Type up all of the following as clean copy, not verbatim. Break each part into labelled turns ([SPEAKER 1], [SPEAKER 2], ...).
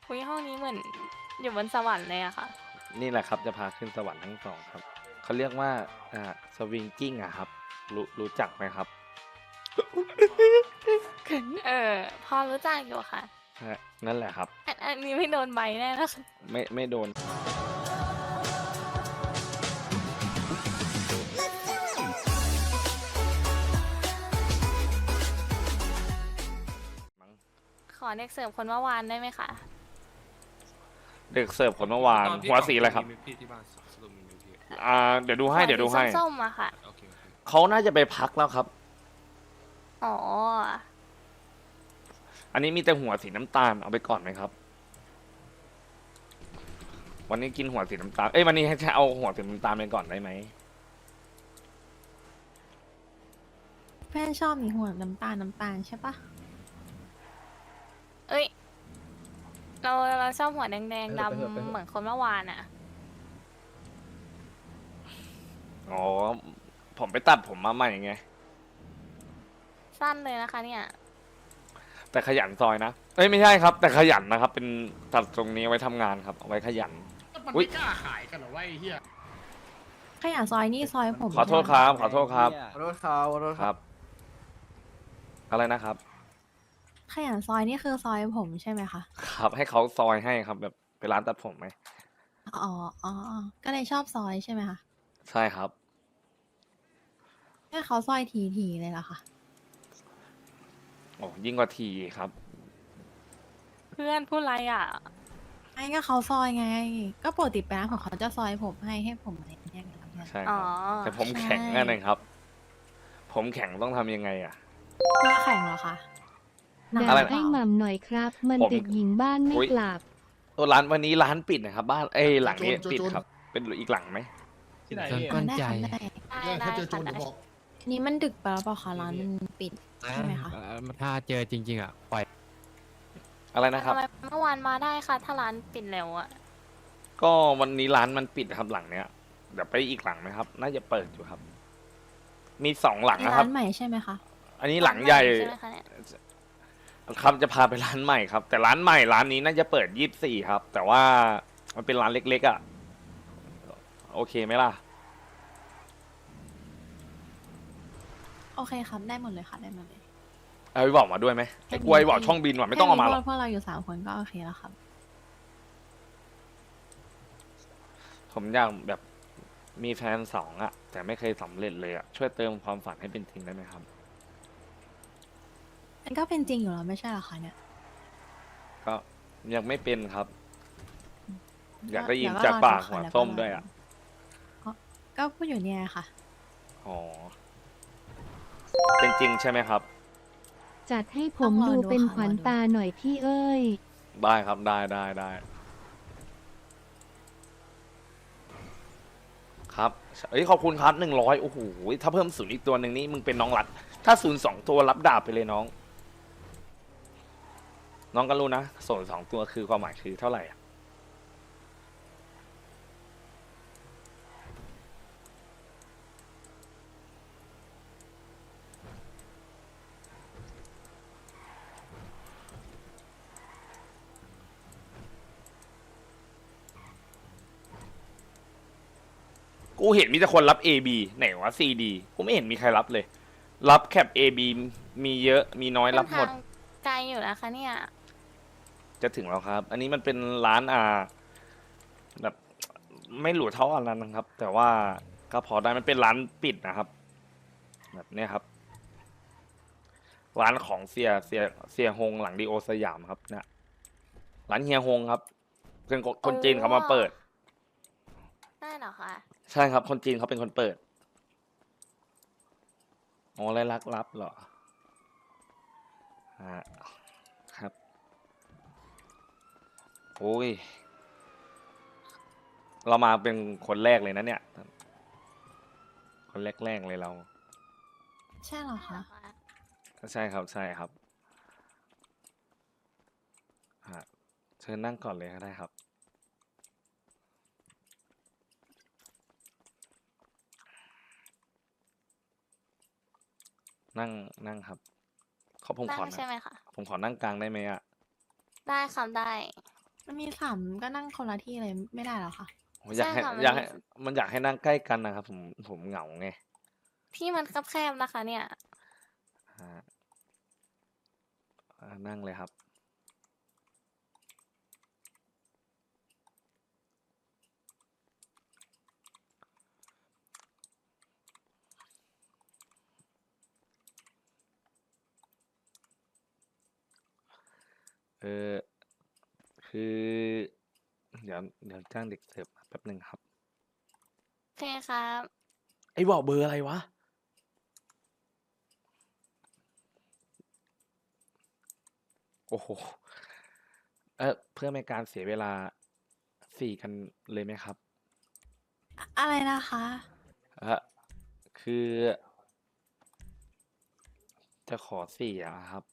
[SPEAKER 1] อุ้ยห้องนี้เหมือนอยู่บนสวรรค์เลยอะค่ะ
[SPEAKER 2] นี่แหละครับจะพาขึ้นสวรรค์ทั้งสองครับเขาเรียกว่าสวิงกิ้งอะครับรู้จักไหมครับ
[SPEAKER 1] พอรู้จักอยู่ค่ะ
[SPEAKER 2] ฮะนั่นแหละครับ
[SPEAKER 1] อันนี้ไม่โดนใบแน่นะคะ
[SPEAKER 2] ไม่โดนมั้ง
[SPEAKER 1] ขอเด็กเสิร์ฟคนเมื่อวานได้ไหมคะ
[SPEAKER 2] เด็กเสิร์ฟคนเมื่อวานหัวสีอะไรครับ
[SPEAKER 3] มีพี่ที่บ้านสรุปมีไหมพี่
[SPEAKER 2] เดี๋ยวดูให้เดี๋ยวดูให้
[SPEAKER 1] ส้มๆอะค่ะ
[SPEAKER 3] โอเคโอเค
[SPEAKER 2] เขาน่าจะไปพักแล้วครับ
[SPEAKER 1] อ๋อ
[SPEAKER 2] อันนี้มีแต่หัวสีน้ำตาลเอาไปก่อนไหมครับ วันนี้กินหัวสีน้ำตาลวันนี้ให้เอาหัวสีน้ำตาลไปก่อนได้ไหม
[SPEAKER 4] เพื่อนชอบมีหัวน้ำตาลใช่ปะ
[SPEAKER 1] เอ้ย เราชอบหัวแดงๆดำเหมือนคนเมื่อวานอะ
[SPEAKER 2] อ๋อผมไปตัดผมมาใหม่ไง
[SPEAKER 1] สั้นเลยนะคะเนี่ย
[SPEAKER 2] แต่ขยันซอยนะไม่ใช่ครับ แต่ขยันนะครับ เป็นตัดตรงนี้ไว้ทำงานครับเอาไว้ขยัน
[SPEAKER 5] มัน
[SPEAKER 2] อุ๊ย
[SPEAKER 5] ไม่กล้าขายกันเหรอวะไอ้เหี้ย
[SPEAKER 4] ขยะซอยนี่ซอยผม
[SPEAKER 2] ขอโทษครับขอโทษครับ
[SPEAKER 6] ขอโทษครับขอโทษ
[SPEAKER 2] ค
[SPEAKER 6] ครั
[SPEAKER 2] รับ บ อะไรนะครับ
[SPEAKER 4] ขยะซอยนี่คือซอยผมใช่ไหมคะ
[SPEAKER 2] ครับให้เขาซอยให้ครับ แบบไปร้านตัดผมไหม
[SPEAKER 4] อ๋ออ๋อก็เลยชอบซอยใช่ไหมคะ
[SPEAKER 2] ใช่ครับ
[SPEAKER 4] ให้เขาซอยทีเลยเหรอคะ
[SPEAKER 2] โอ้ยิ่งกว่าทีครับ
[SPEAKER 1] เพื่อนพูดอะไรอะ
[SPEAKER 4] ไอ้ก็เขาซอยไง ก็ปกติไปร้านของเขาจะซอยผมให้ผมอะไรอย่างเงี้ยครับเนี่ย
[SPEAKER 2] ใช่ค
[SPEAKER 1] อ๋อ
[SPEAKER 2] รับแต่ผมแข็ง
[SPEAKER 4] ใช่
[SPEAKER 2] นั่นเองครับ ผมแข็งต้องทำยังไงอ่ะ
[SPEAKER 4] ตัวแข่งเหรอคะหนัก
[SPEAKER 2] อะไร
[SPEAKER 4] ห
[SPEAKER 7] ให้
[SPEAKER 4] เป
[SPEAKER 7] ห
[SPEAKER 4] ล่า
[SPEAKER 7] ม่ำหน่อยครับ มัน
[SPEAKER 2] ผม
[SPEAKER 7] เด็กหญิงบ้านไม่
[SPEAKER 2] อุ๊ย
[SPEAKER 7] กลับ
[SPEAKER 2] ตัวร้านวันนี้ร้านปิดนะครับ บ้านหลังนี้ปิดครับ เป็นอีกหลังไหม
[SPEAKER 5] ที่ไหน
[SPEAKER 6] พี่
[SPEAKER 5] พี่
[SPEAKER 4] ได้ค่ะได้
[SPEAKER 5] ถ้าเจอโจร
[SPEAKER 1] ได้
[SPEAKER 5] เดี๋ยวบอก
[SPEAKER 4] นี่มันดึกไปแล้วเปล่าคะร้านมันปิดใช่ไหมคะ
[SPEAKER 6] ถ้าเจอจริงๆอ่ะปล่อย
[SPEAKER 2] อะไรนะครับ
[SPEAKER 1] ทำไมเมื่อวานมาได้ค่ะ ถ้าร้านปิดเร็วอะ
[SPEAKER 2] ก็วันนี้ร้านมันปิดครับหลังเนี้ยเดี๋ยวไปอีกหลังไหมครับ น่าจะเปิดอยู่ครับ มี2 หลังนะค
[SPEAKER 4] ร้า
[SPEAKER 2] รับ
[SPEAKER 4] นใหม่ใช่ไหมคะ
[SPEAKER 2] อันนี้หลังใหญ่
[SPEAKER 1] ใช่ไหมคะเนี่ย
[SPEAKER 2] ครับจะพาไปร้านใหม่ครับ แต่ร้านใหม่ร้านนี้น่าจะเปิด24ครับ แต่ว่ามันเป็นร้านเล็กๆอ่ะโอเคไหมล่ะ
[SPEAKER 4] โอเคครับได้หมดเลยค่ะได้หมดเลย
[SPEAKER 2] เอาไปบอกมาด้วยไหมไอ้กล้วยบอกช่องบินว่ะไม่ต้องเอามาหรอก
[SPEAKER 4] พวกเราอยู่3 คนก็โอเคแล้วครับ
[SPEAKER 2] ผมอยากแบบมีแฟน2อ่ะ แต่ไม่เคยสำเร็จเลยอ่ะช่วยเติมความฝันให้เป็นจริงได้ไหมครับ
[SPEAKER 4] มันก็เป็นจริงอยู่แล้วไม่ใช่เหรอคะเนี่ย
[SPEAKER 2] ก็ยังไม่เป็นครับ อยากได้ยิน
[SPEAKER 4] เว
[SPEAKER 2] จาก
[SPEAKER 4] รอ
[SPEAKER 2] ปาก
[SPEAKER 4] ดู
[SPEAKER 2] หัว
[SPEAKER 4] ค่ะ
[SPEAKER 2] ส้ม
[SPEAKER 4] แล้
[SPEAKER 2] ด้วยอ่ะ
[SPEAKER 4] ก็พูดอยู่เนี่ยค่ะ
[SPEAKER 2] อ๋อเป็นจริงใช่ไหมครับ
[SPEAKER 7] จัดให้ผ
[SPEAKER 4] ต้อ
[SPEAKER 7] ม
[SPEAKER 4] งรอ
[SPEAKER 7] ดู
[SPEAKER 4] ดู
[SPEAKER 7] เป็น
[SPEAKER 4] ค่ะ
[SPEAKER 7] ขวัญ
[SPEAKER 4] รอดู
[SPEAKER 7] ตาหน่อยพี่เอ้ย
[SPEAKER 2] ได้ครับได้ครับขอบคุณครับ100โอ้โหถ้าเพิ่ม0อีกตัวหนึ่งนี่มึงเป็นน้องรัด ถ้า0 2ตัวรับดาบไปเลยน้อง น้องก็รู้นะ0 2ตัวคือความหมายคือเท่าไหร่อะกูเห็นมีแต่คนรับ AB ไหนวะ CD กูไม่เห็นมีใครรับเลย รับแคป AB มีเยอะมีน้อยรับหมด
[SPEAKER 1] เนทางไกลอยู่นะคะเนี่ย
[SPEAKER 2] จะถึงแล้วครับ อันนี้มันเป็นร้านแบบไม่หรูเท่าอันนั้นนะครับ แต่ว่าก็พอได้มันเป็นร้านปิดนะครับ แบบเนี้ยครับ ร้านของเสียฮงหลังดีโอสยามครับเนี่ยร้านเฮียฮงครับเป็นคนจีนเขามาเปิด
[SPEAKER 1] ได้เหรอคะ
[SPEAKER 2] ใช่ครับ คนจีนเขาเป็นคนเปิดอ๋อไรลักลับเหรอครับโอ้ย เรามาเป็นคนแรกเลยนะเนี่ย คนแรกเลยเรา
[SPEAKER 4] ใช่เหรอคะ
[SPEAKER 2] ใช่ครับใช่ครับเชิญนั่งก่อนเลยก็ได้ครับ นั่งครับผม
[SPEAKER 1] ได้
[SPEAKER 2] ขอ
[SPEAKER 1] ใช่ไหมคะ
[SPEAKER 2] ผมขอนั่งกลางได้ไหมอ่ะ
[SPEAKER 1] ได้ค่ะได้
[SPEAKER 4] มันมีสามก็นั่งคนละที่เลยไม่ได้หรอคะ
[SPEAKER 2] ผมอยากให้
[SPEAKER 1] ใช่ค่ะ
[SPEAKER 2] อยากให้มันอยากให้นั่งใกล้กันนะครับ ผมเหงาไง
[SPEAKER 1] ที่มันแคบๆนะคะ เนี่ย
[SPEAKER 2] อ่านั่งเลยครับ เออคือ เดี๋ยวจ้างเด็กเสิร์ฟแป๊บหนึ่งครับ
[SPEAKER 1] โอเคครับ
[SPEAKER 2] ไอ้บอกเบอร์อะไรวะ โอ้โห เพื่อไม่การเสียเวลาสี่กันเลยไหมครับ
[SPEAKER 4] อะไรนะคะ
[SPEAKER 2] คือ จะขอสี่อะครับ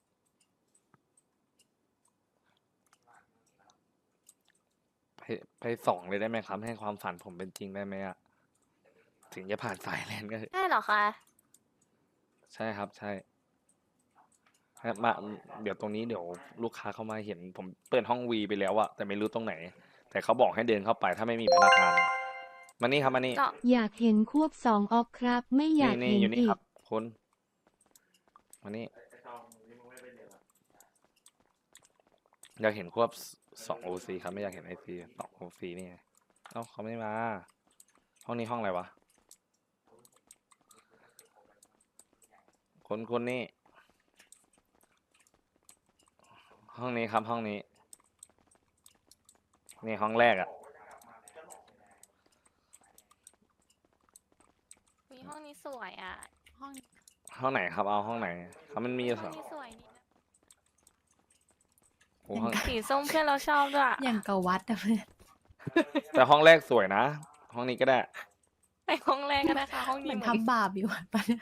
[SPEAKER 2] ไปสองเลยได้ไหมครับ ให้ความฝันผมเป็นจริงได้ไหมอะถึงจะผ่านสายแลนก็
[SPEAKER 1] ได้เหรอคะ
[SPEAKER 2] ใช่ครับ ใช่มาเดี๋ยวตรงนี้เดี๋ยวลูกค้าเข้ามาเห็น ผมเปิดห้องวีไปแล้วอะแต่ไม่รู้ตรงไหน แต่เขาบอกให้เดินเข้าไปถ้าไม่มีพนักงานมานี่ครับมานี่
[SPEAKER 1] ก็
[SPEAKER 7] อยากเห็นควบ2ออกครับ ไม่อยาก
[SPEAKER 2] นี่
[SPEAKER 7] เห็น
[SPEAKER 2] อยู่นี่
[SPEAKER 7] อี
[SPEAKER 2] ค
[SPEAKER 7] ก
[SPEAKER 2] รับคุณมานี่อยากเห็นควบ2 OC ครับไม่อยากเห็นIC 2 OC นี่ไงเอ้าเขาไม่มา ห้องนี้ห้องอะไรวะคนนี่ห้องนี้ครับห้องนี้นี่ห้องแรกอะ
[SPEAKER 1] มีห้องนี้สวยอ่ะ
[SPEAKER 4] ห้อง
[SPEAKER 2] ห้องไหนครับเอาห้องไหนครับมันมีอยู่
[SPEAKER 1] ห้
[SPEAKER 2] ส
[SPEAKER 1] อ
[SPEAKER 2] อง ง
[SPEAKER 1] นี้สวยนี่นะ
[SPEAKER 2] โอ้ห้อง
[SPEAKER 1] สีส้มเพื่อนเราชอบด้วย
[SPEAKER 4] อย่างกับวัดอะเพื่อน
[SPEAKER 2] แต่ห้องแรกสวยนะ ห้องนี้ก็ได้
[SPEAKER 1] ไปห้องแรกก็ได้ค่ะ ห้อง
[SPEAKER 4] เห
[SPEAKER 1] นี้
[SPEAKER 4] มือน
[SPEAKER 1] เหมือน
[SPEAKER 4] ทำบาปอยู่อะปะเนี่ย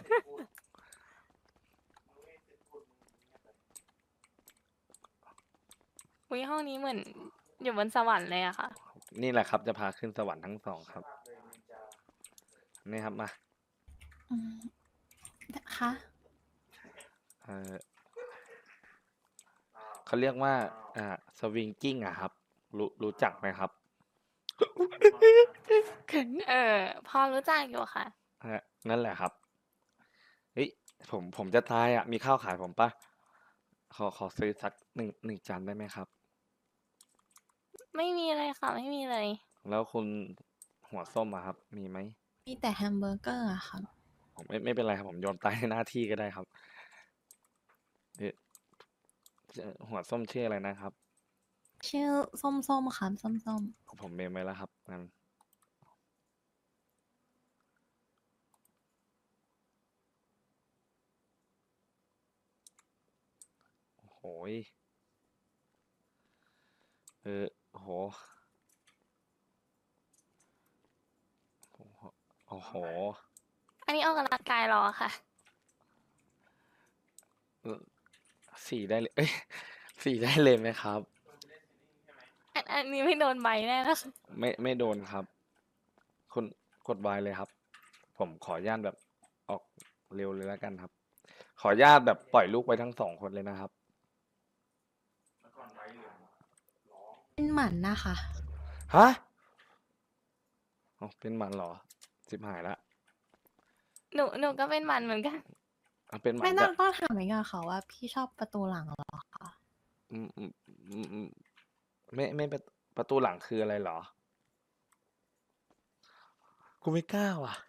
[SPEAKER 1] อุ๊ยห้องนี้เหมือนอยู่บนสวรรค์เลยอะค่ะ
[SPEAKER 2] นี่แหละครับจะพาขึ้นสวรรค์ทั้งสองครับ นี่ครับมา
[SPEAKER 4] อืมคะ
[SPEAKER 2] เออเขาเรียกว่าสวิงกิ้งอะครับ รู้จักไหมครับ
[SPEAKER 1] พอรู้จักอยู่ค่ะ
[SPEAKER 2] นั่นแหละครับเฮ้ยผมจะตายอะมีข้าวขายผมปะขอซื้อสักหนึ่งจานได้ไหมครับ
[SPEAKER 1] ไม่มีเลยค่ะ ไม่มีเลย
[SPEAKER 2] แล้วคุณหัวส้มอะครับ มีไหม
[SPEAKER 4] มีแต่แฮมเบอร์เกอร์อะค่ะ
[SPEAKER 2] ผมไม่เป็นไรครับ ผมยอมตายในหน้าที่ก็ได้ครับเอ๊ะหัวส้มชื่ออะไรนะครับ
[SPEAKER 4] ชื่อส้มๆค่ะส้ม
[SPEAKER 2] ผมเมมไว้แล้วครับงั้นโอ้โหยโอ้โหโอ้โห
[SPEAKER 1] อันนี้ออกกำลังกายเหรอค่ะ
[SPEAKER 2] สี่ได้เลย เอ้ยสี่ได้เลยไหมครับ
[SPEAKER 1] อันนี้ไม่โดนใบแน่นะคะ
[SPEAKER 2] ไม่โดนครับ คุณกดไวเลยครับ ผมขออนุญาตแบบออกเร็วเลยแล้วกันครับ ขออนุญาตแบบปล่อยลูกไว้ทั้ง2 คนเลยนะครับ
[SPEAKER 4] ๆเป็นหมันนะคะ
[SPEAKER 2] ฮะอ๋อเป็นหมันเหรอสิบหายละ
[SPEAKER 1] หนูก็เป็นหมันเหมือนกัน
[SPEAKER 2] เป็นหมัน
[SPEAKER 4] ไม่
[SPEAKER 2] แต่
[SPEAKER 4] ต้องถามอีกอะค่ะว่าพี่ชอบประตูหลังเหรอคะ
[SPEAKER 2] อืมไม่ประตูหลังคืออะไรเหรอ กูไม่กล้าว่ะ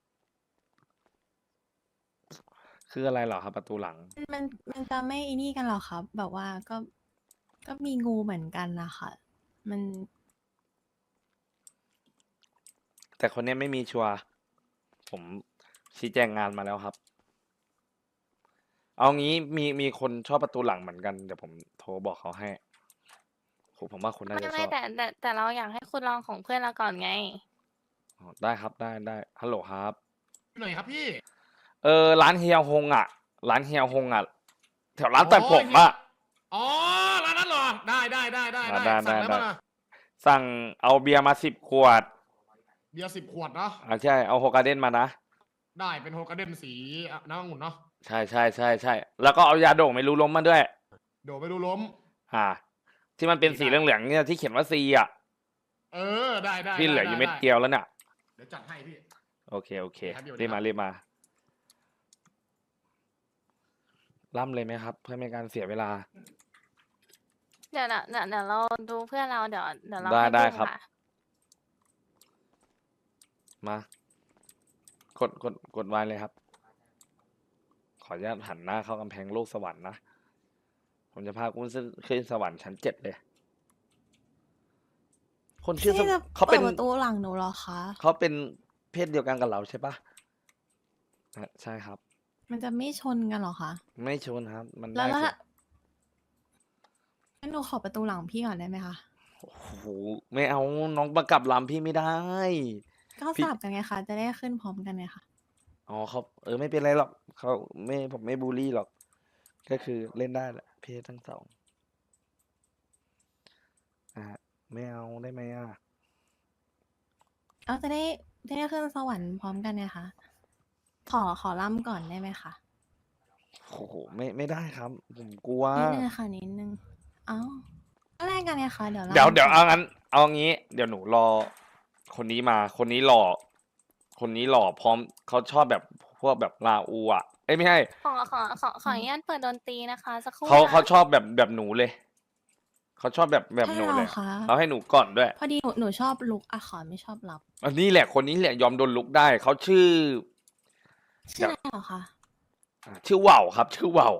[SPEAKER 2] คืออะไรเหรอครับ ประตูหลัง
[SPEAKER 4] มันจะไม่อีนี่กันหรอครับ แบบว่าก็มีงูเหมือนกันนะคะมัน
[SPEAKER 2] แต่คนเนี้ยไม่มีชัวร์ผมชี้แจงงานมาแล้วครับ เอางี้มีคนชอบประตูหลังเหมือนกัน เดี๋ยวผมโทรบอกเขาให้โหผมว่าคุณน่า
[SPEAKER 1] ไม่
[SPEAKER 2] จะช
[SPEAKER 1] ไม่
[SPEAKER 2] อบ
[SPEAKER 1] แต่เราอยากให้คุณลองของเพื่อนเราก่อนไง
[SPEAKER 2] อ๋อได้ครับได้ฮัลโหลครับ
[SPEAKER 5] หน่อยครับพี่
[SPEAKER 2] ร้านเฮียฮงอ่ะ ร้านเฮียฮงอ่ะ แถวร้านตัดผมอ่ะ
[SPEAKER 5] อ๋อร้านนั้นเหรอ ได้
[SPEAKER 2] ได้
[SPEAKER 5] สั่งได้ปะล่ะ
[SPEAKER 2] สั่งเอาเบียร์มา10 ขวด
[SPEAKER 5] เบียร์10 ขวดเนาะ
[SPEAKER 2] ใช่เอาโฮกาเด้นมานะ
[SPEAKER 5] ได้เป็นโฮกาเดนสีน้ำองุ่นเนาะ
[SPEAKER 2] ใช่แล้วก็เอายาโด่งไม่รู้ล้มมาด้วย
[SPEAKER 5] เดี๋ยวไปดูล้ม
[SPEAKER 2] ที่มันเป็นสีเหลืองๆเนี่ยที่เขียนว่าซีอ่ะ
[SPEAKER 5] เออได้ได้
[SPEAKER 2] พี่เหลืออยู่เม็ด
[SPEAKER 5] ไ
[SPEAKER 2] เดียวแล้วเนี่ย
[SPEAKER 5] เดี๋ยวจัดให้พี่
[SPEAKER 2] โอเคโอเค
[SPEAKER 5] ครับเดี๋ยว
[SPEAKER 2] รีบมารีบมาล่ำเลยไหมครับ เพื่อไม่ให้การเสียเวลา
[SPEAKER 1] เดี๋ยวเราดูเพื่อนเราเดี๋ยวเรา
[SPEAKER 2] ได้
[SPEAKER 1] ให้
[SPEAKER 2] ได้
[SPEAKER 1] ดู
[SPEAKER 2] ครับ
[SPEAKER 1] ะ
[SPEAKER 2] มา กดไว้เลยครับ ขออนุญาตหันหน้าเข้ากำแพงโลกสวรรค์นะ ผมจะพาคุณขึ้นสวรรค์ชั้น7เลย คนชื่อ
[SPEAKER 4] พี่จะ
[SPEAKER 2] เขา
[SPEAKER 4] เปิ
[SPEAKER 2] เป็
[SPEAKER 4] ด
[SPEAKER 2] น
[SPEAKER 4] ประตูหลังหนูเหรอคะ
[SPEAKER 2] เขาเป็นเพศเดียวกันกับเราใช่ปะใช่ครับ
[SPEAKER 4] มันจะไม่ชนกันเหรอคะ
[SPEAKER 2] ไม่ชนครับ มัน
[SPEAKER 4] แล้
[SPEAKER 2] ได้
[SPEAKER 4] ว
[SPEAKER 2] สิ
[SPEAKER 4] งั้นหนูขอประตูหลังพี่ก่อนได้ไหมคะ
[SPEAKER 2] โอ้โหไม่เอาน้องประกับลำพี่ไม่ได้
[SPEAKER 4] ก็
[SPEAKER 2] พี่
[SPEAKER 4] สลับกันไงคะ จะได้ขึ้นพร้อมกันไงคะ
[SPEAKER 2] อ๋อเขาไม่เป็นไรหรอกเขาไม่ผมไม่บูลลี่หรอก ก็คือเล่นได้แหละเพศทั้งสองไม่เอาได้ไหมอ่ะ
[SPEAKER 4] เอาจะได้ขึ้นสวรรค์พร้อมกันไงคะ ขอล่ำก่อนได้ไหมคะ
[SPEAKER 2] โอ้โหไม่ได้ครับ ผมกลัว
[SPEAKER 4] นิดนึงค่ะนิดนึง เอ้าก็แลกกันไงคะ เดี๋ยว
[SPEAKER 2] เดี๋ยว
[SPEAKER 4] ล่ำ
[SPEAKER 2] เอางั้นเอางี้ เดี๋ยวหนูรอ คนนี้มา คนนี้หล่อ คนนี้หล่อพร้อมเขาชอบแบบพวกแบบลาอูอ่ะเอ้ยไม่ใช่
[SPEAKER 1] ขออนุญาตเปิดดนตรีนะคะสักครู่
[SPEAKER 2] เขา
[SPEAKER 1] นะ
[SPEAKER 2] ชอบแบบหนูเลย เขาชอบแบบหนูเลย
[SPEAKER 4] ใช่หรอคะ
[SPEAKER 2] เขาให้หนูก่อนด้วย
[SPEAKER 4] พอดีหนูชอบลุกอะขอไม่ชอบรับ
[SPEAKER 2] อันนี้แหละคนนี้แหละยอมโดนลุกได้เขาชื่อ
[SPEAKER 4] ชื่ออะไรเหรอคะ
[SPEAKER 2] ชื่อว่าวครับ ชื่อว่าว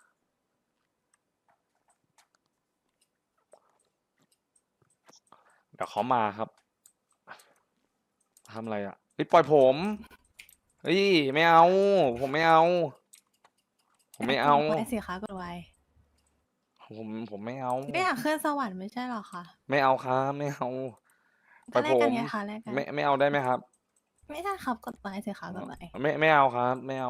[SPEAKER 2] เดี๋ยวเขามาครับทำอะไรอ่ะเฮ้ยปล่อยผมเฮ้ยไม่เอา ผมไม่เอา ผมไม่เอา
[SPEAKER 4] กดไว้สิคะกดไว้
[SPEAKER 2] ผมไม่เอา
[SPEAKER 4] ไม่อยากขึ้นสวรรค์ไม่ใช่เหรอคะ
[SPEAKER 2] ไม่เอาครับไม่เอาปล่
[SPEAKER 4] ก็
[SPEAKER 2] อย
[SPEAKER 4] แล
[SPEAKER 2] ผ
[SPEAKER 4] กกัน
[SPEAKER 2] ม
[SPEAKER 4] ไงคะแลกกัน
[SPEAKER 2] ไม่เอาได้ไหมครับ
[SPEAKER 4] ไม่ได้ครับกดไว้สิคะกดไว้
[SPEAKER 2] ไม่เอาครับ ไม่เอา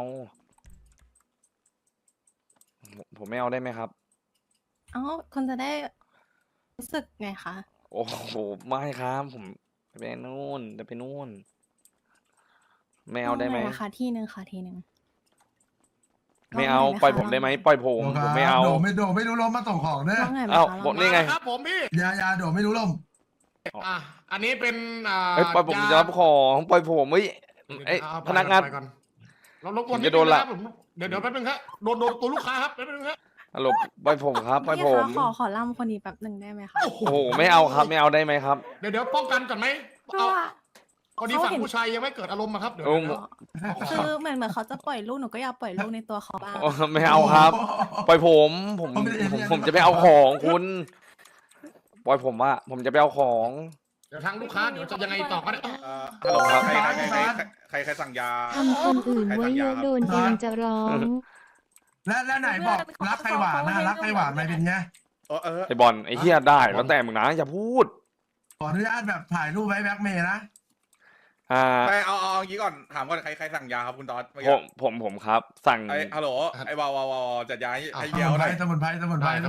[SPEAKER 2] ผมไม่เอาได้ไหมครับ
[SPEAKER 4] เอ้าคนจะได้รู้สึกไงคะ
[SPEAKER 2] โอ้โหไม่ครับผมไปนู่นจะไปนู่น ไม่เอาได้ไหม
[SPEAKER 4] งนะคะที่หนึ่งค่ะที่หนึ่ง
[SPEAKER 2] ไม่เอา
[SPEAKER 4] ลองหน่อยไหม
[SPEAKER 2] ปล่อย
[SPEAKER 4] คะ
[SPEAKER 2] ผมได้ไหม
[SPEAKER 4] ลองหน่อย
[SPEAKER 2] ปล่อยผมผมไม่เอา
[SPEAKER 8] โดไม่รู้ลมมาส่งของเด้อ
[SPEAKER 4] ลองหน่อยไหม
[SPEAKER 2] เอ้า
[SPEAKER 4] คะล
[SPEAKER 2] บ
[SPEAKER 4] อ
[SPEAKER 2] อก
[SPEAKER 4] งหน่อย
[SPEAKER 2] นี่ไง
[SPEAKER 5] มาครับผมพี่
[SPEAKER 8] ยาโดไม่รู้ลม
[SPEAKER 5] อ่ะอันนี้เป็น
[SPEAKER 2] เฮ้ยปล่อยผมจะรับของปล่อยผมเฮ้ยเอ้ย
[SPEAKER 5] เอา
[SPEAKER 2] พนักงาน
[SPEAKER 5] ไปก่อนเรารบกวน
[SPEAKER 2] ผม
[SPEAKER 5] นิ
[SPEAKER 2] จะ
[SPEAKER 5] ด
[SPEAKER 2] โด
[SPEAKER 5] นึ
[SPEAKER 2] น
[SPEAKER 5] ง
[SPEAKER 2] ละ
[SPEAKER 5] นะครับผมเดี๋ยวแป๊บนึงครับโดนตัวลูกค้าครับแป๊บนึงครับ
[SPEAKER 2] ฮัลโหลปล่อยผมครับปล่อย
[SPEAKER 4] พี่
[SPEAKER 2] ผ
[SPEAKER 4] คะ
[SPEAKER 2] ม
[SPEAKER 4] ขอล่ำคนนี้แป๊บหนึ่งได้ไหมคะ
[SPEAKER 5] โอ้โห
[SPEAKER 2] โอ้โหไม่เอาครับ ไม่เอาได้ไหมครับ
[SPEAKER 5] เดี๋ยวป้องกันก่อนไหม
[SPEAKER 4] เพราะ
[SPEAKER 5] เอา
[SPEAKER 4] ว่า
[SPEAKER 5] พอดีฝั่งผู้ชายยังไม่เกิดอารมณ์อะครับเดี๋ยว
[SPEAKER 2] โอ้
[SPEAKER 5] เดี๋ยว
[SPEAKER 4] คือเหมือนเขาจะปล่อยลูกหนูก็อยากปล่อยลูกในตัวเขาบ้าง
[SPEAKER 2] โอ้ไม่เอาครับ ปล่อยผมจะไปเอาของคุณ ปล่อยผมว่าผมจะไปเอาของ
[SPEAKER 5] เดี๋ยวทางลูกค้าเดี๋ยวจะยังไงต่อก็ได้
[SPEAKER 2] ฮัลโหลครับ
[SPEAKER 3] ใครสั่งยา
[SPEAKER 7] ทำคนอื่นไว้เยอะโดนเองจะร้อง
[SPEAKER 8] แล้วไหนบอกรักใครหวานนะรักใครหวานไม่เป็นไง
[SPEAKER 2] ไอบอลไอเฮียได้แล้วแต่มึงนะอย่าพูด
[SPEAKER 8] ขออนุญาตแบบถ่ายรูปไว้แบ็กเมย์นะ
[SPEAKER 3] ไม่เอาอย่างนี้ก่อนถามก่อนใครสั่งยาครับคุณตอด
[SPEAKER 2] ผมครับ สั่ง
[SPEAKER 3] ฮัลโหลไอ้วาวจัดยาให้
[SPEAKER 8] ส
[SPEAKER 3] เดียว
[SPEAKER 8] มุน
[SPEAKER 3] ห
[SPEAKER 8] ไพ
[SPEAKER 3] น่
[SPEAKER 8] ร
[SPEAKER 3] อย
[SPEAKER 8] สมุนไพรสมุนไพร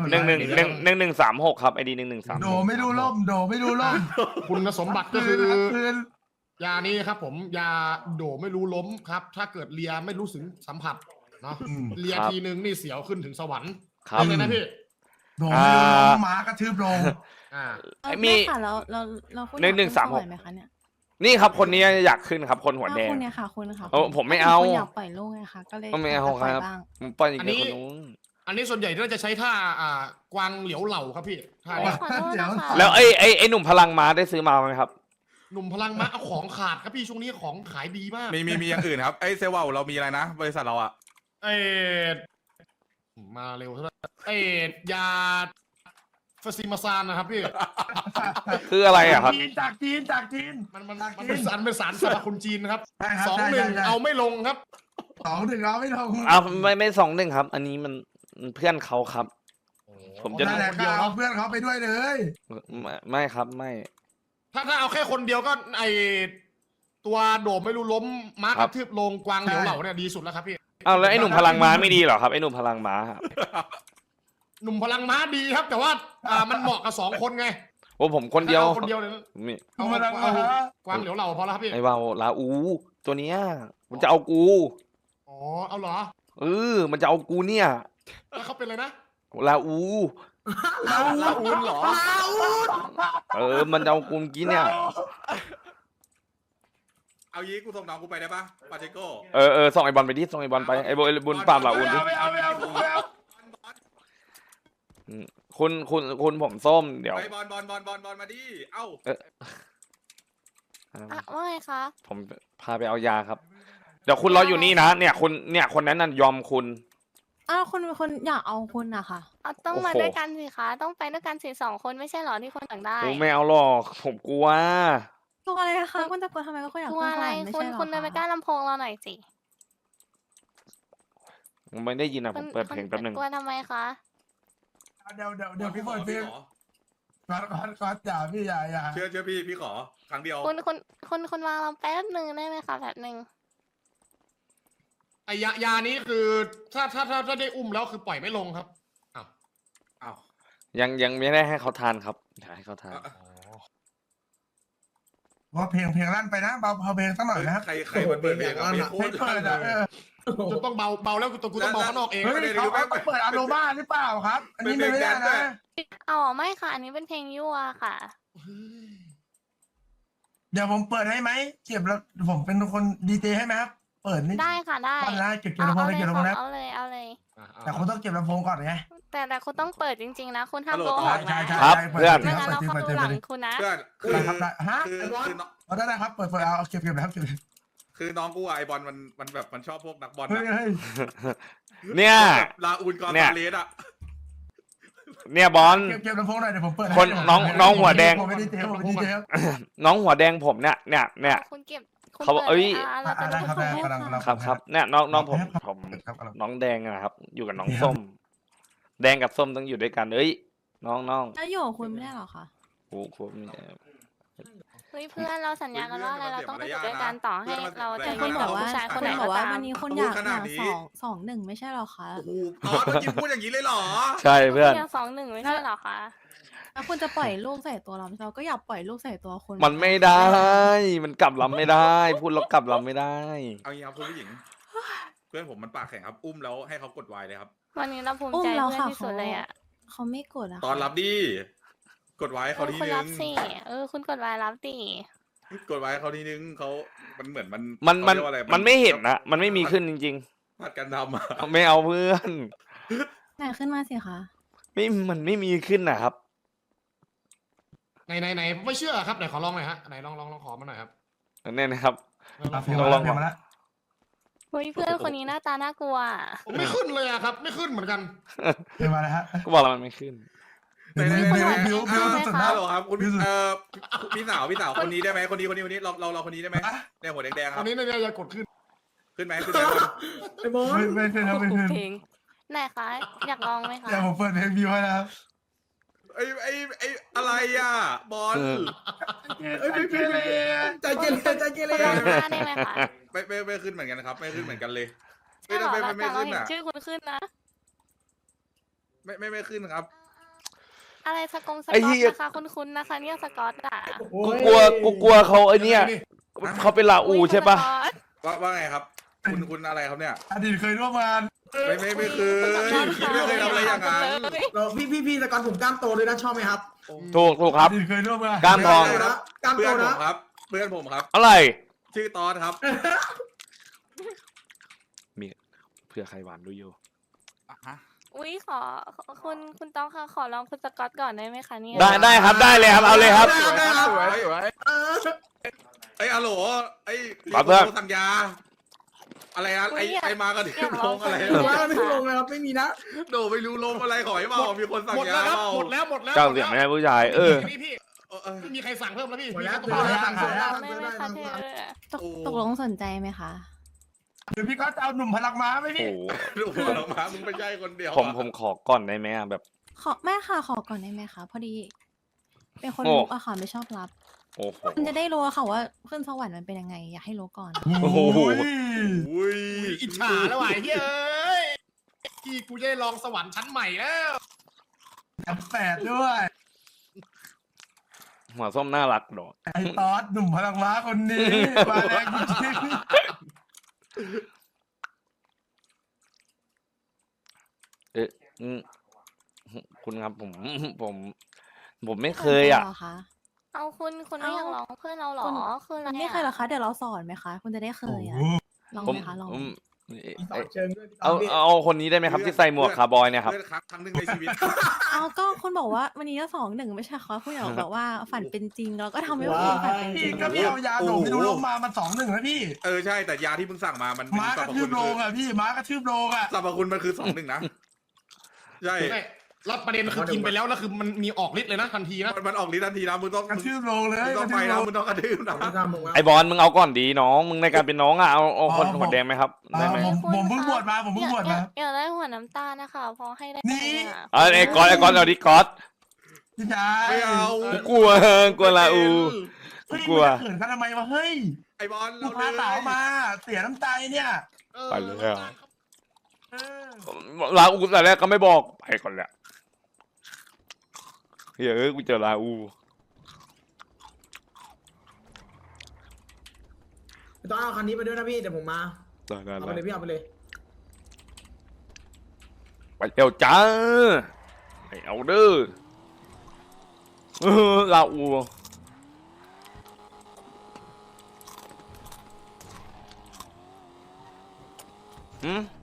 [SPEAKER 2] 1136ครับไอดี1136
[SPEAKER 8] โดไม่รู้ล่มโดไม่รู้ล่ม
[SPEAKER 5] คุณสมบัติก็คือ
[SPEAKER 8] คืน
[SPEAKER 5] ยานี้ครับผมยาโดไม่รู้ล้มครับ ถ้าเกิดเลียไม่รู้สึกสัมผัสเนาะเลียทีนึงนี่เสียวขึ้นถึงสวรรค์
[SPEAKER 2] ครับ
[SPEAKER 5] เลยนะพี่
[SPEAKER 8] โดไม่รู้ล่มหมากระทืบลง
[SPEAKER 5] อ่า
[SPEAKER 2] มี
[SPEAKER 4] ค่ะเราพูด
[SPEAKER 2] 1136
[SPEAKER 4] ไหมคะเนี่ย
[SPEAKER 2] นี่ครับคนนี้อยากขึ้นครับคนหัวแดง
[SPEAKER 4] คุณเนี่ยค่ะคุณค่ะ
[SPEAKER 2] ผมไม่เอา
[SPEAKER 4] คุณอยากปล่อยลูกไงคะก็เลย
[SPEAKER 2] ไม่เอา
[SPEAKER 4] ยกจะปล่ย
[SPEAKER 2] ครับ
[SPEAKER 4] บ้าง
[SPEAKER 2] ผมปล่อยอีกคนนู้น
[SPEAKER 5] อันนี้ส่วนใหญ่น่าจะใช้ท่ากวางเหลียวเหล่าครับพี่ท่านี้
[SPEAKER 1] ขอโทษนะคะ
[SPEAKER 2] แล้วไอ้หนุ่มพลังม้าได้ซื้อมาไหมครับ
[SPEAKER 5] หนุ่มพลังม้าเอาของขาดครับพี่ช่วงนี้ของขายดีมาก
[SPEAKER 3] มีอย่างอื่นครับไอ้เซลล์เรามีอะไรนะ บริษัทเราอ่ะ
[SPEAKER 5] เออมาเร็วเท่านั้นยาฟาซิมาซานนะครับพี่
[SPEAKER 2] คืออะไรอะครับ
[SPEAKER 8] จากจีน
[SPEAKER 5] มันเป็นสารสรรพคุณจีนนะครับ
[SPEAKER 8] ใช่ครับ
[SPEAKER 5] สอง
[SPEAKER 8] ใช่
[SPEAKER 5] หนึ่ง
[SPEAKER 8] ใช่
[SPEAKER 5] เอาไม่ลงครับ
[SPEAKER 8] 2-1เอาไม่ลง
[SPEAKER 2] อ้าวไม่21ครับ อันนี้มันเพื่อนเขาครับ ผมจะ
[SPEAKER 8] นั่นแหละก็เอาเพื่อนเขาไปด้วยเลย
[SPEAKER 2] ไม่ครับไม่
[SPEAKER 5] ถ้าเอาแค่คนเดียวก็ตัวโดมไม่รู้ล้มม้ากระทืบลงกวางเหลียวเหล่าเนี่ยดีสุดแล้วครับพี่
[SPEAKER 2] อ้าวแล้วไอ้หนุ่มพลังม้าไม่ดีเหรอครับไอ้หนุ่มพลังม้าครับ
[SPEAKER 5] หนุ่มพลังม้าดีครับ แต่ว่ามันเหมาะกับ2 คนไง
[SPEAKER 2] โอ้ผมคนเดียว
[SPEAKER 5] ถ้าอาคนเดียวเลยนะ
[SPEAKER 2] นี่
[SPEAKER 5] เอา
[SPEAKER 8] พลังม้า
[SPEAKER 5] กวางเหลียวเหล่าพอแล้วครับพี่
[SPEAKER 2] ไอ้วาวลาอูตัวเนี้ยมันจะเอากู
[SPEAKER 5] อ๋อเอาเหรอ
[SPEAKER 2] มันจะเอากูเนี่ย
[SPEAKER 5] แล้วเขาเป็นอะไรนะ
[SPEAKER 2] ลาอู
[SPEAKER 6] ลาอูนเหรอ
[SPEAKER 2] มันจะเอากูเมื่อกี้เนี่ย
[SPEAKER 3] เอายี้กูส่งน้องกูไปได้ปะปาเจโก้
[SPEAKER 2] ส่งไอ้บอลไปดิส่งไอ้บอลไปไอ้บุญปามลาอูนดิ
[SPEAKER 8] ไม่เอา
[SPEAKER 2] คุณผมส้มเดี๋ยว
[SPEAKER 3] ไปบอลมาดิเอ้า
[SPEAKER 1] ว่าไงคะ
[SPEAKER 2] ผมพาไปเอายาครับ เดี๋ยวคุณรออยู่นี่นะเนี่ยคนนั้นน่ะยอมคุณ
[SPEAKER 4] อ้าวคนอยากเอาคุณอะค่ะ
[SPEAKER 1] เอาต้อง
[SPEAKER 2] โอ้โห
[SPEAKER 1] มาด้วยกันสิคะต้องไปด้วยกันสิ2 คนไม่ใช่เหรอที่คนต่างได้
[SPEAKER 2] โอ้ไม่เอาหรอกผมกลัว
[SPEAKER 4] ตัวอะไรคะคุณจะกลัวทำไมก็คุณอยาก
[SPEAKER 1] กลัว
[SPEAKER 4] ขึ้นส
[SPEAKER 1] อะไร
[SPEAKER 4] วรรค์ไม่
[SPEAKER 1] คุณ
[SPEAKER 4] ใช่หรอ
[SPEAKER 1] คุณเดินไปใกล้
[SPEAKER 4] คะ
[SPEAKER 1] ลำโพงเราหน่อยสิ
[SPEAKER 2] ผมไม่ได้ยินอ่ะผมเปิดเพลงแป๊บนึง
[SPEAKER 1] กลัวทำไมคะ
[SPEAKER 8] เดี๋ยวพี่เปิดเพลง
[SPEAKER 3] ขอ
[SPEAKER 8] ก่อนอย่าพี่อย่า
[SPEAKER 3] เชื่อพี่ขอครั้งเดียว
[SPEAKER 1] คุณวางเราแป๊บนึงได้ไหมคะแบบนึง
[SPEAKER 5] ไอยานี้คือถ้าได้อุ้มแล้วคือปล่อยไม่ลงครับอ้าว
[SPEAKER 3] เอ้า
[SPEAKER 2] ยังไม่ได้ให้เขาทานครับเดี๋ยวให้เขาทาน
[SPEAKER 8] ว่าเพลงลั่นไปนะเบาเพลงสักหน่อยนะ
[SPEAKER 3] ใครมันเปิดเพลงอะเพลงโค
[SPEAKER 8] ไม่
[SPEAKER 3] ตร
[SPEAKER 8] เปิดอ่ะ
[SPEAKER 5] จะต้องเบาแล้วกูต้องเบาข้างนอกเอง
[SPEAKER 8] เฮ้ยเขาเปิดอโนมาหรือเปล่าครับ อันนี้ไม่ได้นะ
[SPEAKER 1] อ๋อไม่ค่ะ อันนี้เป็นเพลงยั่วค่ะ
[SPEAKER 8] เดี๋ยวผมเปิดให้ไหมเก็บแล้วผมเป็นคนดีเจให้ไหมครับเปิดนี่
[SPEAKER 1] ได้ค่ะได้
[SPEAKER 8] ตอนแรกเก็บลำโพง
[SPEAKER 1] เอา
[SPEAKER 8] ได้
[SPEAKER 1] เลย
[SPEAKER 8] เก็บลำโพง
[SPEAKER 1] ค่ะ
[SPEAKER 8] นะ
[SPEAKER 1] เอาเลยเอาเลย
[SPEAKER 8] แต่คุณต้องเก็บลำโพงก่อนไง
[SPEAKER 1] แต่คุณต้องเปิดจริงๆนะ คุณห้ามโกหก
[SPEAKER 8] ใช่
[SPEAKER 1] นะ
[SPEAKER 8] ใช่
[SPEAKER 2] ครับ
[SPEAKER 8] ใช่
[SPEAKER 2] เพื่อน
[SPEAKER 1] ไม่งั้นเราเข้าดูหลังคุณนะ
[SPEAKER 3] เพื่อน
[SPEAKER 8] ได้ครับได้ฮะ
[SPEAKER 3] คือน้อง
[SPEAKER 8] เอาได้ครับเปิดเอาเก็บแล้วเก็บ
[SPEAKER 3] คือน้องกูอะไอบอลมันแบบมันชอบพวกนักบอล
[SPEAKER 8] เฮ้ย
[SPEAKER 3] อะ
[SPEAKER 8] เฮ้ย
[SPEAKER 2] เนี่ย
[SPEAKER 3] ลาอูนกอน
[SPEAKER 2] เนี่ย
[SPEAKER 3] ซาเลสอะ
[SPEAKER 2] เนี่ยบอล
[SPEAKER 8] เก็บลำโพงหน่อยเดี๋ยวผมเปิด
[SPEAKER 2] คนน้องหัวแดง
[SPEAKER 8] ผมไม่ได้เทผมไม่ได้เท
[SPEAKER 2] น้องหัวแดงผมเนี่ย
[SPEAKER 1] คุณเก็บคุณ
[SPEAKER 2] เขาบอก
[SPEAKER 1] ปิด
[SPEAKER 2] เอ้ย
[SPEAKER 1] เราจะ
[SPEAKER 8] ได้
[SPEAKER 1] ดู
[SPEAKER 8] ครับ
[SPEAKER 1] คุ
[SPEAKER 8] ได้
[SPEAKER 1] ณ
[SPEAKER 8] กำลัง
[SPEAKER 2] ครับเนี่ยน้องผม
[SPEAKER 8] ครับ
[SPEAKER 2] น้องแดงนะครับ อยู่กับน้องส้ม แดงกับส้มต้องอยู่ด้วยกันเอ้ยน้อง
[SPEAKER 4] แล้วอยู่กับคุณไม่ได้หรอคะ
[SPEAKER 2] โอ้โหนี่
[SPEAKER 1] เฮ้ยเพื่อนเราสัญญากันว่าอะไรเราต้องไปอยู่ด้วยกันต่อให้เราจะ
[SPEAKER 4] คุ
[SPEAKER 1] ยื
[SPEAKER 4] ณ
[SPEAKER 1] น
[SPEAKER 4] บ
[SPEAKER 1] กั
[SPEAKER 4] อบ กว่า
[SPEAKER 1] ผู้ชายคน
[SPEAKER 4] คุ
[SPEAKER 1] ไหน
[SPEAKER 4] ณบ
[SPEAKER 1] ก็
[SPEAKER 4] อกว่า
[SPEAKER 1] ตาม
[SPEAKER 4] วันนี้คุณอยาก2-1ไม่ใช่หรอคะ
[SPEAKER 3] โอ้โหตอนเมื่อกี้พูดอย่างนี้เลยเหรอ
[SPEAKER 2] ใช่เพื่อน
[SPEAKER 1] ยัง2-1ไม่ใช่เหรอคะ
[SPEAKER 4] แล้วคุณจะปล่อยลูกใส่ตัวเราก็อยากปล่อยลูกใส่ตัวคุณ
[SPEAKER 2] มันไม่ได้ มันกลับลำไม่ได้ พูดแล้วกลับลำไม่ได้
[SPEAKER 3] เอางี้ครับคุณผู้หญิง เพื่อนผมมันปากแข็งครับ อุ้มแล้วให้เขากดไวเลยครับ
[SPEAKER 1] วันนี้เราภูมิ
[SPEAKER 4] อุ้ม
[SPEAKER 1] ใจ
[SPEAKER 4] แล้ว
[SPEAKER 1] เพื่อน
[SPEAKER 4] ค่ะ
[SPEAKER 1] ที่สุดเลยอ่ะ
[SPEAKER 4] เขาไม่กดอะ
[SPEAKER 3] ตอนรับดีกดไว้เขาที
[SPEAKER 1] คุณ
[SPEAKER 3] นึ
[SPEAKER 1] รั
[SPEAKER 3] ง
[SPEAKER 1] บสิคุณกดไว้รับดิ
[SPEAKER 3] กดไว้เขาทีนึงเขามันเหมือนมัน
[SPEAKER 2] มัน
[SPEAKER 3] เขาเรียกว่าอะไร
[SPEAKER 2] มันไม่เห็นนะมันไม่มีขึ้นจริง
[SPEAKER 3] ผัดกันทำอะ
[SPEAKER 2] ๆ ไม่เอาเพื่อน
[SPEAKER 4] ไหนขึ้นมาสิคะ
[SPEAKER 2] มันไม่มีขึ้นนะครับ
[SPEAKER 5] ไหนไม่เชื่อครับไหนขอลองหน่อยฮะไหนลองขอมาหน่อยครับ
[SPEAKER 2] เนี่ยนะครับ
[SPEAKER 8] เพียงมาแล้ว
[SPEAKER 1] เฮ้ยเพื่อนคนนี้หน้าตาน่ากลัว
[SPEAKER 5] ผมไม่ขึ้นเลยอะครับ ไม่ขึ้นเหมือนกัน
[SPEAKER 8] เพียงมาแล้วฮะ
[SPEAKER 2] ก็บอกแล้วมันไม่ขึ้น
[SPEAKER 8] บิวสุดนะ
[SPEAKER 3] ฮัลโหลครับคุณพี่สาวคนนี้ได้ไหมคนนี้เราคนนี้ได้ไหมเนี่ยหัวแดงๆค
[SPEAKER 5] ต
[SPEAKER 3] รั
[SPEAKER 5] อบ นนี้เนี่ยอย่ากดขึ้น
[SPEAKER 3] ขึ้นไหม
[SPEAKER 8] ไม่ขึ้นครับไม่ขึ้น
[SPEAKER 1] เพลงไหนคะอยากลองไหมคะ
[SPEAKER 8] เดี๋ยวผมเปิดเพลงบิวให้นะครับ
[SPEAKER 3] ไออะไรอ่ะบอล
[SPEAKER 8] เอ้ยไม่เป็นเลยใจเกเรใจเกเร
[SPEAKER 1] คุณลองหน้าได้ไหมคะ
[SPEAKER 3] ไม่ขึ้นเหมือนกันครับ ไม่ขึ้นเหมือนกันเลย
[SPEAKER 1] ใช่เหรอ
[SPEAKER 3] ไม่
[SPEAKER 1] แต่เรา
[SPEAKER 3] ขึ้น
[SPEAKER 1] เห็น
[SPEAKER 3] อ่ะ
[SPEAKER 1] ชื่อคุณขึ้นนะ
[SPEAKER 3] ไม่ขึ้นครับ
[SPEAKER 1] อะไรสกงส
[SPEAKER 2] ไอ้
[SPEAKER 1] กอ
[SPEAKER 2] เหี้
[SPEAKER 1] ต
[SPEAKER 2] ย
[SPEAKER 1] นะคะคุณนะคะเนี่ยสกอตอ่ะ
[SPEAKER 2] กูกลัวเขาไอ้เนี่ยเขาเป็นลาอูใช่ปะ
[SPEAKER 3] ว่าไงครับ คุณอะไรครับเนี่ย
[SPEAKER 8] อดีตเคยร่วมงาน
[SPEAKER 3] ไม่เคยไม่เคยทำอะไรอย่างนั้น
[SPEAKER 9] พี่สกอตผมกล้ามโตด้วยนะชอบไหมครับ
[SPEAKER 2] ถูกครับ
[SPEAKER 8] อดีตเคยร่วมงาน
[SPEAKER 2] กล้ามทอง
[SPEAKER 9] กล้าม
[SPEAKER 3] เพื่
[SPEAKER 9] โต
[SPEAKER 3] อนผม
[SPEAKER 9] นะครับ
[SPEAKER 3] เพื่อนผมครับ
[SPEAKER 2] อะไร
[SPEAKER 3] ชื่อตอสครับ
[SPEAKER 2] มีเพื่อใครหวานดูอยู่
[SPEAKER 1] อุ้ยคุณต้องค่ะขอลองคุณสกอตก่อนได้ไหมคะเนี่ย
[SPEAKER 2] ได้ครับได้เลยครับเอาเลยครับ
[SPEAKER 3] สวยไอ้อะโหลไอ้
[SPEAKER 2] ครับเพื่อน
[SPEAKER 3] สัญญา อะไรอะไอ้มากันที่ลงอะไร
[SPEAKER 9] ว่าไม่ลงเลยครับไม่มีนะ
[SPEAKER 3] โดไม่รู้ลงอะไรขอให้เปล่ามีคนสั่ง
[SPEAKER 5] หมด
[SPEAKER 3] ยา
[SPEAKER 5] แล้วครับ
[SPEAKER 3] เปล่า
[SPEAKER 5] หมดแล้ว
[SPEAKER 2] เจ้าเสียงไม่ใช่ผู้ชาย
[SPEAKER 5] พี่
[SPEAKER 3] เออ
[SPEAKER 5] ไม่มีใครสั่งเพิ่มแล้วพี่
[SPEAKER 9] หมดแล้ว
[SPEAKER 5] มีแค่
[SPEAKER 9] หมดแล้ว
[SPEAKER 1] ได้ไหมคะเธอ
[SPEAKER 4] ตกลงสนใจไหมคะ
[SPEAKER 8] เดี๋ยวพี่ก็จะเอาหนุ่มพลังม้าไหม
[SPEAKER 2] โอ้
[SPEAKER 8] พี่
[SPEAKER 2] โห
[SPEAKER 3] ดูหัวออกมามึงไม่ใช่คนเดียว
[SPEAKER 2] ผมขอก่อนได้ไหมอะแบบ
[SPEAKER 4] แม่ค่ะขอก่อนได้ไหมคะพอดี เป็นคน
[SPEAKER 2] โอ้
[SPEAKER 4] รู้อะค่ะไม่ชอบรับ
[SPEAKER 2] โอ้โห
[SPEAKER 4] คุณจะได้รู้อะค่ะว่าขึ้นสวรรค์มันเป็นยังไง อยากให้รู้ก่อน
[SPEAKER 2] โอ้โห
[SPEAKER 3] อุ้ย
[SPEAKER 5] อิจฉาแล้วว่ะเฮ้ยที่กูจะได้ลองสวรรค์ชั้นใหม่แล้ว
[SPEAKER 8] แปดด้วย
[SPEAKER 2] หัวส้มน่ารักดอก
[SPEAKER 8] ไอ้ตอสหนุ่มพลังม้าคนนี้มาแรงจริง
[SPEAKER 2] คุณคุณครับ ผมไม่เคยอ่ะ
[SPEAKER 4] เหรอคะ
[SPEAKER 1] เอาคุณไม่อยากร้องเพื่อนเราเหรอ
[SPEAKER 4] คุณ
[SPEAKER 1] คืออะไร
[SPEAKER 4] คุณไม่เคยเหรอคะ เดี๋ยวเราสอนไหมคะ คุณจะได้เคยอ่ะ ลอง
[SPEAKER 2] ผม
[SPEAKER 4] ไหมคะ ลองไหม
[SPEAKER 9] มีสอนเชิงด้วยพี่ต
[SPEAKER 2] เอา
[SPEAKER 9] พี่
[SPEAKER 2] เอาคนนี้ได้ไหมครับ ที่ใส่หมวกคาร์บอยเนี่ยครับ
[SPEAKER 3] เพื่อนครั้งหนึ่งในชีวิต
[SPEAKER 4] เอาก็คุณบอกว่าวันนี้ก็2-1ไม่ใช่คะคุณอยากบอกว่าฝันเป็นจริงเราก็ทำให้มันเป็นฝันเป็นจ
[SPEAKER 8] พี่
[SPEAKER 4] ริง
[SPEAKER 8] ก็พี่เอายาโดไม่รู้ลงมามัน2-1แล้วพี่
[SPEAKER 3] เออใช่แต่ยาที่มึงสั่งมามัน
[SPEAKER 8] ม้ากระทืบโรงอ่ะพี่ม้ากระทืบโรงอ่ะ
[SPEAKER 3] สรรพคุณมันคือ2-1นะใช่
[SPEAKER 5] ไม่แล้วประเด็นคือกินไปแล้วแล้วคือมันมีออกฤทธิ์เลยนะทันทีนะ
[SPEAKER 3] มันออกฤทธิ์ทันทีนะมึงต้อง
[SPEAKER 8] กระทืบโรงเลย
[SPEAKER 3] มึงต้องไปนะมึงต้องกระทืบนะ
[SPEAKER 9] พี่ตามผมว่า
[SPEAKER 2] ไอบอลมึงเอาก่อนดีน้อง มึงในการเป็นน้องอ่ะเอาคนหัวแดงไหมครับได้ไหม
[SPEAKER 8] ผมเพิ่งบวชมาผมเพิ่งบวชมา
[SPEAKER 1] อยากได้หัวน้ำตาลนะคะ พอให้ได้
[SPEAKER 8] นี่
[SPEAKER 1] ไหมอะ
[SPEAKER 2] ไอ้ก๊อตเอาดิก๊อต
[SPEAKER 8] พี่ชาย
[SPEAKER 3] ไม่เอา
[SPEAKER 2] กูกลัวลาอู
[SPEAKER 8] เฮ้ย
[SPEAKER 2] กลัว
[SPEAKER 8] มึงจะเขินกันทำไมวะเฮ้ย
[SPEAKER 3] ไอบอล
[SPEAKER 8] กูพาสาวมาเสียน้ำใจเนี่ย
[SPEAKER 2] ไปเลยอะ
[SPEAKER 8] เออ
[SPEAKER 2] ลาอูแต่แรกก็ไม่บอกไปก่อนแหละเฮ้ยกูเจอลาอู
[SPEAKER 9] พี่ต้องเอาคันนี้ไปด้วยนะพี่เดี๋ยวผมมา
[SPEAKER 2] ได้
[SPEAKER 9] เอาไปเลยพี่เอาไปเลย
[SPEAKER 2] ไปเร็วจ้าไอเอาเด้อลาอูหืม